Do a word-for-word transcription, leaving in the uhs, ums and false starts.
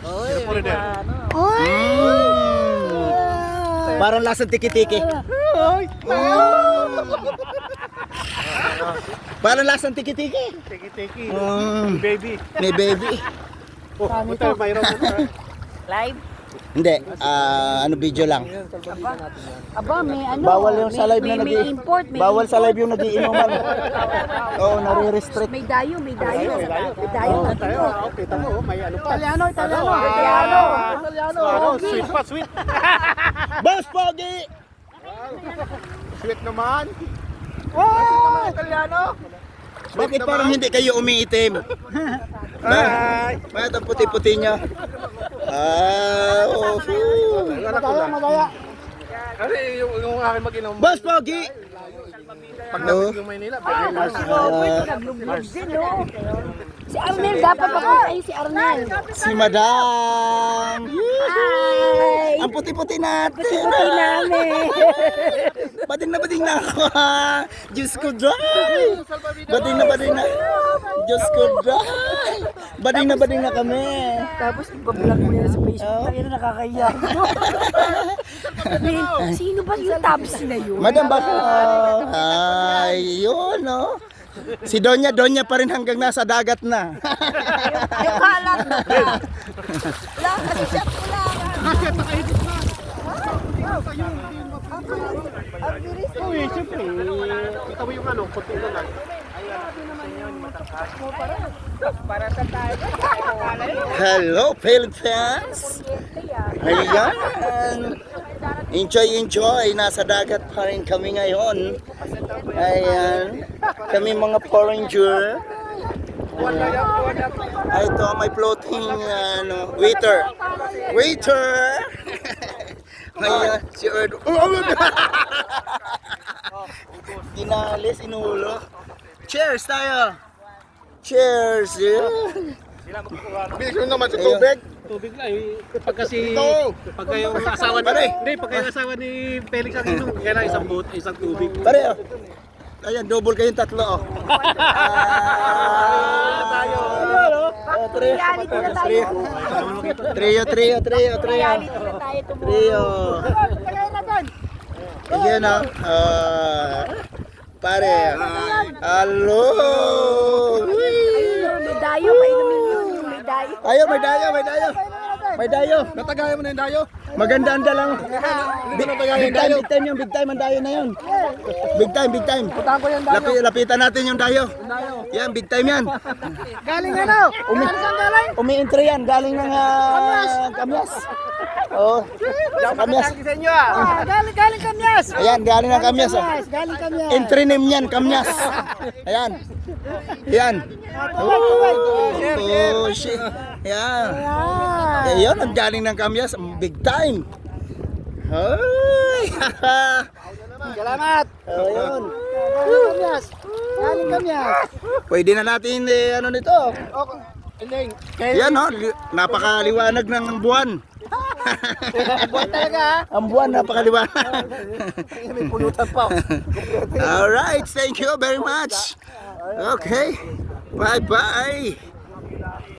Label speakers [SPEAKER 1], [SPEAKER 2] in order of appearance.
[SPEAKER 1] Oy,
[SPEAKER 2] Oy! Parang lasang tiki-tiki. Parang lasang tiki-tiki.
[SPEAKER 1] Tiki-tiki.
[SPEAKER 2] Mm,
[SPEAKER 1] Baby.
[SPEAKER 2] may baby.
[SPEAKER 1] Oh, buta, mayroon na.
[SPEAKER 3] Live?
[SPEAKER 2] Hindi, ah, ano video lang.
[SPEAKER 3] Aba, may ano.
[SPEAKER 2] Bawal yung sa
[SPEAKER 3] may-
[SPEAKER 2] live na
[SPEAKER 3] may,
[SPEAKER 2] nag
[SPEAKER 3] may import. May
[SPEAKER 2] Bawal sa
[SPEAKER 3] import.
[SPEAKER 2] live yung nagiinuman. Oo, nare-restrict.
[SPEAKER 3] May dayo, may dayo. May dayo.
[SPEAKER 1] Oh, tayo. Ah, okay, tamo. Oh, may ano pa.
[SPEAKER 3] Italiano, Italiano.
[SPEAKER 1] Ano,
[SPEAKER 3] Italiano.
[SPEAKER 1] ah,
[SPEAKER 3] Italiano.
[SPEAKER 1] Ano, sweet pa, sweet.
[SPEAKER 2] Boss Pogi!
[SPEAKER 1] Sweet naman.
[SPEAKER 3] Oh! Italiano.
[SPEAKER 2] Bakit parang hindi kayo umiitim?
[SPEAKER 1] Hi.
[SPEAKER 2] Bakit ang puti-puti nyo? Ah, oh.
[SPEAKER 1] Madaya, madaya. Ano yung, yung aking mag-inom?
[SPEAKER 2] Boss Pogi!
[SPEAKER 1] Pag
[SPEAKER 2] No.
[SPEAKER 1] nabig yung Maynila,
[SPEAKER 3] Ah,
[SPEAKER 1] bagay
[SPEAKER 3] si
[SPEAKER 1] lang.
[SPEAKER 3] Robert, naglublog din, no? Si Arnel, dapat papuntahin si Arnel.
[SPEAKER 2] Si Madam!
[SPEAKER 3] Hi!
[SPEAKER 2] Ang puti-puti natin!
[SPEAKER 3] Puti namin.
[SPEAKER 2] Bading na bading na ako ha! Diyos ko dry! Bading na bading na! Diyos ko dry! Bading na bading na kami!
[SPEAKER 3] Tapos, ibablog mo yan sa Facebook. Tayo na nakakaya. Sabihin, sino ba yung tabs na yun?
[SPEAKER 2] Madam ba? Ay, yun no? Si Donya, Donya pa rin hanggang nasa dagat na.
[SPEAKER 3] Yung kalat na ka. Wala, kasi siya wala.
[SPEAKER 1] Oh, eh, siyempre. Kita mo yung ano, konti na lang.
[SPEAKER 2] Hello, Philippines! Ayan! Enjoy, enjoy! Nasa dagat pa rin kami ngayon. Ayan. Kami mga foreigner. Ay, ito, may floating ano, waiter. Waiter! Ayan, si Erdo. Dinalis, inulo. Cheers tayo! Cheers! Yeah.
[SPEAKER 1] Bilis mo naman sa
[SPEAKER 2] Ayun.
[SPEAKER 1] tubig.
[SPEAKER 4] Tubig lang eh. Pag kasi,
[SPEAKER 1] Ito.
[SPEAKER 4] pag yung asawa ni,
[SPEAKER 2] Pare.
[SPEAKER 4] hindi, pag yung asawa ni Felix ang inom, kailangan isang boat, isang tubig.
[SPEAKER 2] Pare, oh. Ayan, double kayong tatlo, oh. Ah, tayo. Oh, trio.
[SPEAKER 3] Reality na tayo.
[SPEAKER 2] Trio, trio, trio, trio.
[SPEAKER 3] Reality na tayo tumulong.
[SPEAKER 2] Trio. Ayan, oh. Ah, pare. Hello.
[SPEAKER 3] May dayo, painumin yun. May dayo.
[SPEAKER 2] Ayo, may dayo, may dayo. May dayo.
[SPEAKER 1] Natagayan mo na yung dayo.
[SPEAKER 2] Maganda ang dalang. Big, big time, big time yung big time ang dayo na yun. Big time, big time.
[SPEAKER 1] Putahan ko yung dayo.
[SPEAKER 2] Lapi, lapitan natin yung dayo. Yan, big time yan.
[SPEAKER 1] Galing ano?
[SPEAKER 2] Umi Umi-entry yan, galing ng uh, Kamyas. Oh, sa Kamyas.
[SPEAKER 1] Sa inyo ah.
[SPEAKER 3] Galing, galing kamyas.
[SPEAKER 2] Ayan, galing ng Kamyas. Oh.
[SPEAKER 3] Galing kamyas.
[SPEAKER 2] Entry name yan, Kamyas. Ayan. Yan. Oh, oh shit. Yan. Ayan, ang galing ng Kamyas, big time. Hoy!
[SPEAKER 1] Salamat.
[SPEAKER 2] Oh, yun.
[SPEAKER 3] Galing kamyas. Galing kamyas.
[SPEAKER 2] Pwede na natin eh, ano nito.
[SPEAKER 1] Okay. Ending.
[SPEAKER 2] Yan oh, li- napakaliwanag ng buwan.
[SPEAKER 1] Buwan talaga ah.
[SPEAKER 2] Ang buwan napakaliwanag.
[SPEAKER 1] May pulutan pa.
[SPEAKER 2] All right, thank you very much. Okay. Bye-bye.